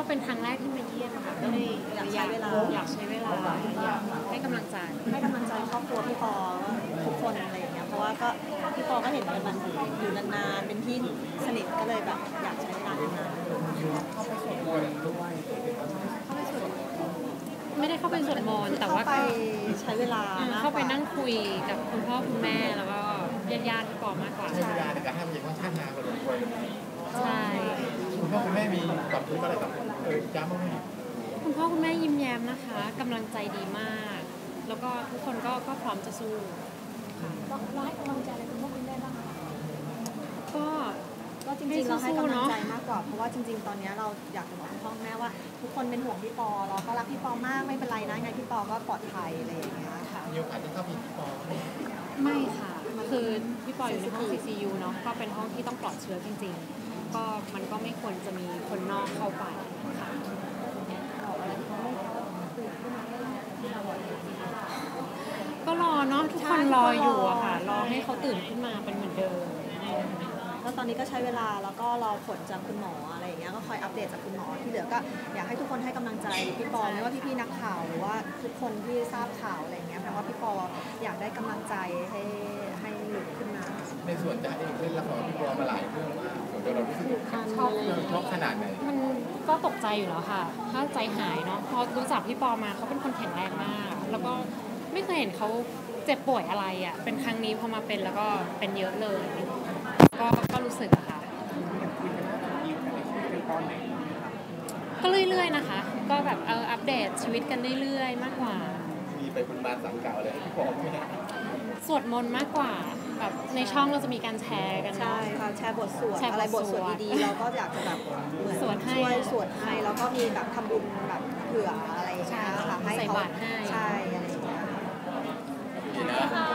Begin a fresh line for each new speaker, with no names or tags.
เป็นครั้งแรกที่มาเยี่ยมค่ะก็เลยอยากใช้เวลาอยากให้กำลังใจ
ครอบครัวพี่ปอทุกคนอะไรอย่างเงี้ยเพราะว่าก็พี่ปอก็เห็นกันมันอยู่นานๆเป็นพี่สนิทก็เลยแบบอยากใช้เวลานาน
ไม่ได้เข้าไปสวดมนต์แต่ว่า
ไปใช้เวลา
เข้าไปนั่งคุยกับคุณพ่อคุณแม่แล้วก็ญาติพี่ปอมากกว่า
ใช้เวลาในการทำอย่างค่อนข้างนานพอสมควร
ใช่
คุณพ่อคุณแม่มีความรู้อะไรกับย้ำบ้างไหม
คุณพ่อคุณแม่ยิ้มแย้มนะคะกำลังใจดีมากแล้วก็ทุกคนก็พร้อมจะสู้
ค่ะเราให้กำลังใจอะไรคุณพ่อคุณแม่บ้างคะ
ก็
จริงๆเราให้กำลังใจมากกว่าเพราะว่าจริงๆตอนนี้เราอยากจะบอกคุณพ่อแม่ว่าทุกคนเป็นห่วงพี่ปอเราก็รักพี่ปอมากไม่เป็นไรนะไงพี่ปอก็ปลอดภัยอะไรอย่างเงี้ยค่ะ
มีโอกาสได้เข้าไปพี่ปอ
ไม่ค่ะคือพี่ปออยู่ในห้อง CCU เนาะก็เป็นห้องที่ต้องปลอดเชื้อจริงๆก็มันก็ไม่ควรจะมีคนนอกเข้าไปค่ะก็รอเนาะทุกคนรออยู่อะค่ะรอให้เขาตื่นขึ้นมาเป็นเหมือนเดิม
แล้วตอนนี้ก็ใช้เวลาแล้วก็รอผลจากคุณหมออะไรอย่างเงี้ยก็คอยอัปเดตจากคุณหมอที่เหลือก็อยากให้ทุกคนให้กำลังใจพี่ปอไม่ว่าพี่ๆนักข่าวหรือว่าทุกคนที่ทราบข่าวอะไรอย่างเงี้ยเพราะว่าพี่ปออยากได้กำลังใจให้หลุดขึ้นมา
ในส่วนจะเองเล่นละครพี่ปอมาหลายเรื่องมากส่วนตัวเรารู้สึกชอบขนาดไหน
มันก็ตกใจอยู่แล้วค่ะถ้าใจหายเนาะพอรู้จักพี่ปอมาเขาเป็นคนแข็งแรงมากแล้วก็ไม่เคยเห็นเขาเจ็บป่วยอะไรอ่ะเป็นครั้งนี้พอมาเป็นแล้วก็เป็นเยอะเลยก็รู้สึกอะค่ะก็เรื่อยๆนะคะก็แบบอัปเดตชีวิตกันเรื่อยๆมากกว่า
มีไปบุญบานสังเก่าเลยพี่ปอไหม
สวดมนต์มากกว่าแบบในช่องเราจะมีการแชร์กัน
ใช่ค่ะแชร์บทสวดอะไรบทสวดดีๆเราก็อยากจะแบบเหมือนช่วยสวดให้แล้วก็มีแบบทำบุญแบบเผื่ออะไรอย่างเงี้ยค่ะให้เขาใช่อะไรอย่างเงี้ย